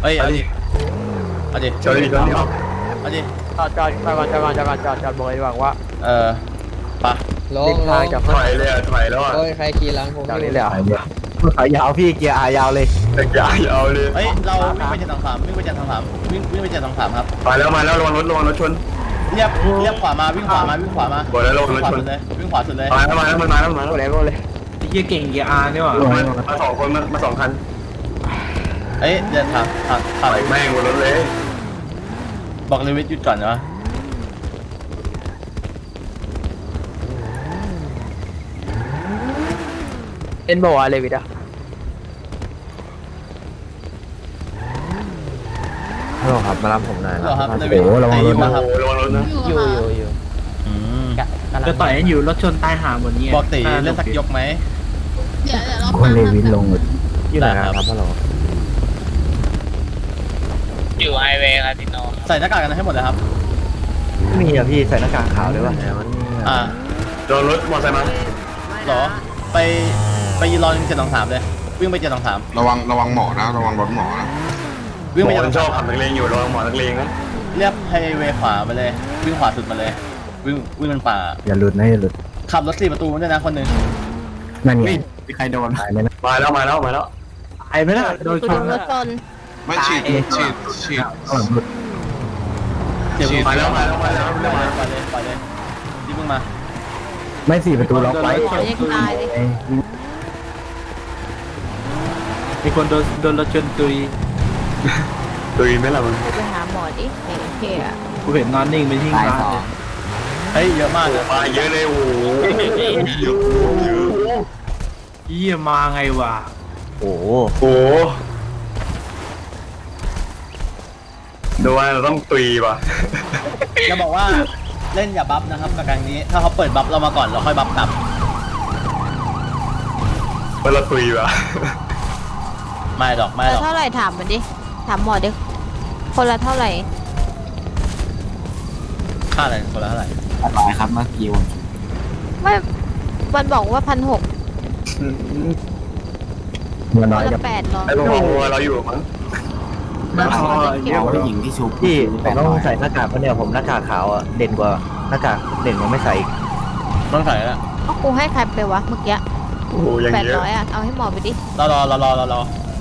เฮ้ยเอาดิเอาดิจอดดิจอดดิเอาดิจอดบอกเลยว่าปะลงทางจะถอยเลยอ่ะถอยแล้วอ่ะโอ้ยใครขี่หลังผมจากนี้เลยอ่ะขายาวพี่เกียร์อายาวเลยแต่ยาวเลยเฮ้ยเราวิ่งไป723วิ่งไป723วิ่งไป723ครับมาแล้วระวังรถชนเรียบขวามาวิ่งขวามาวิ่งขวามาบอกแล้วระวังรถขวาชนสุดเลยวิ่งขวาสุดเลยมาแล้วมันมาแล้วโรเลยเฮียเก่งเกียร์อาร์นี่หว่ามาสองคนมาสองคันเฮ้ยเดินถามถอยแม่งบนรถเลยบอกเลวิทหยุดก่อนนะเอ็นบอกอะไรวิดอ่ะฮัลโหลครับมารับผมหน่อยเหรอครับเลโอ้วิทโหระวังรถมานะครับระวังรถนะอยู่จะต่อยกันอยู่รถชนตายหาหมดเนี่ยบอกตีเล่นสักยกไหมเดี๋ยวเราคนเลวินลงอยู่ไหนครับฮัลโหลอยู่ไฮเวย์ครับพี่โนใส่หน้ากากกันให้หมดเลยครับไม่มีอะพี่ใส่หน้ากากขาวด้วยวะโดนรถมอเตอร์ไซค์มาหรอไปยืนรอ723เลยวิ่งไป723 ระวังหมอนะระวังรถหมอนะวิ่งหมไปอมันชอบขับ 723 นักเลงอยู่ระวังหมอนักเลงนะเรียบไฮเวย์ขวาไปเลยวิ่งขวาสุดมาเลยวิ่งมันป่าอย่าหลุดนะอย่าหลุดขับรถ4 ประตูด้วยนะคนหนึ่งนั่นไงมีใครโดนตายไหมนะมาแล้วไอ้ไม่ได้โดนชโดนนรถชนไม่ฉีดข้างหลังหลุดเดี๋ยวมาแล้วไปเลยที่เพิ่งมาไม่สี่ประตูล็อกไว้ขอยังตายเลยมีคนโดนรถชนตุยตุยไหมล่ะมึงไปหาหมอดิเฮ้ยกูเห็นนอนนิ่งไปทิ้งร้านเลยเฮ้ยเยอะมากเลยมาเยอะเลยโอ้โหเยอะเฮียมาไงวะโอ้โหโอ้ดูว่าเราต้องตุยว่ะจะบอกว่าเล่นอย่าบัฟนะครับกับการนี้ถ้าเขาเปิดบัฟเรามาก่อนเราค่อยบัฟกลับว่าเราตุยว่ะไม่หรอกแล้วเท่าไหร่ถามมันดิถามหมอดิคนละเท่าไหร่ค่าอะไรคนละเท่าไหร่ตายครับเมื่อกี้ไม่มันบอกว่า1,600 มันคน้อยนจะละ800 ไอ้พวกเราอยู่มั้งเดี๋ยวผู้หญิงที่ชุบพี่ผมต้องใส่หน้ากากเพราะเนี่ยผมหน้ากากขาวอ่ะเด่นกว่าหน้ากากเด่นกว่าไม่ใส่อีกต้องใส่แล้วก็กูให้ใครไปวะเมื่อกี้โอ้โหอย่างเยอะ 800อ่ะเอาให้หมอไปดิรอ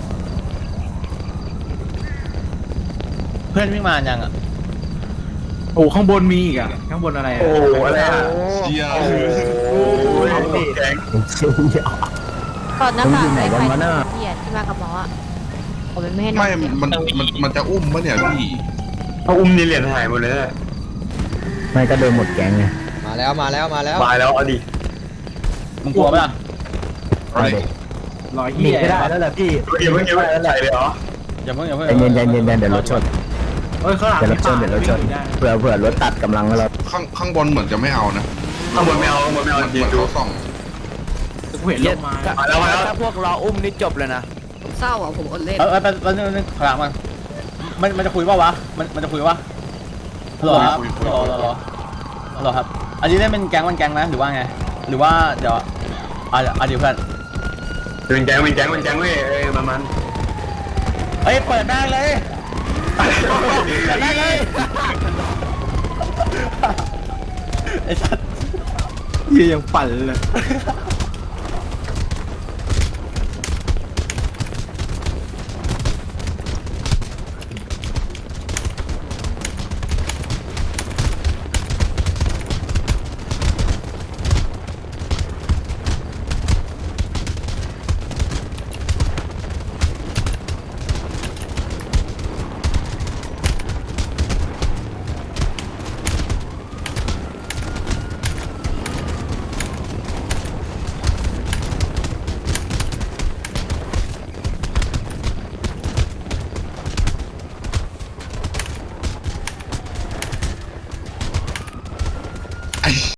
เพื่อนวิ่งมายังอ่ะโอ้ข้างบนมีอีกอ่ะข้างบนอะไรโอ้อ่ะโหอะไรอ่ะเชียร์โอ้โหแกงก่อนหน้ากากใครเหี้ยที่มากับหมออ่ะผมไม่ให้นอไม่นมันจะอุ้มปะเนี่ยพี่เอาอุ้มนี่เหรียญหายหมดเลยนะไม่ก็โดนหมดแก๊งไงมาแล้วตายแล้วเอาดิมึงกลัวปะล่ะเอาดิรอยหเฮีนียไม่ได้แล้วแหละพี่เมื่อกี้ใส่เลยเหรออย่าเพิ่งใจเย็นเดี๋ยวรถชนเอ้ยข้างหลังเดี๋ยวรถชนเดี๋ยวรถชนเผื่อรถตัดกำลังเราข้างบนเหมือนจะไม่เอานะข้างบนไม่เอาเหมือนยืนดูเขาส่องกูเห็นลงมามาแล้วถ้าพวกเราอุ้มนี่จบเลยนะเศร้าอ่ะผมอดเล่นไปนึงขลังมันจะคุยป่าวะมันจะคุยป่ะฮัลโหลครับฮัลโหลครับอันนี้เล่นเป็นแก๊งนะหรือว่าไงหรือว่าเดี๋ยวเดี๋ยวเพื่อนเป็นแก๊งเว้ยมันเฮ้ยเปิดแม่งเลยเปิดแม่งเลยไอ้สัตว์เฮียยังปั่นเลย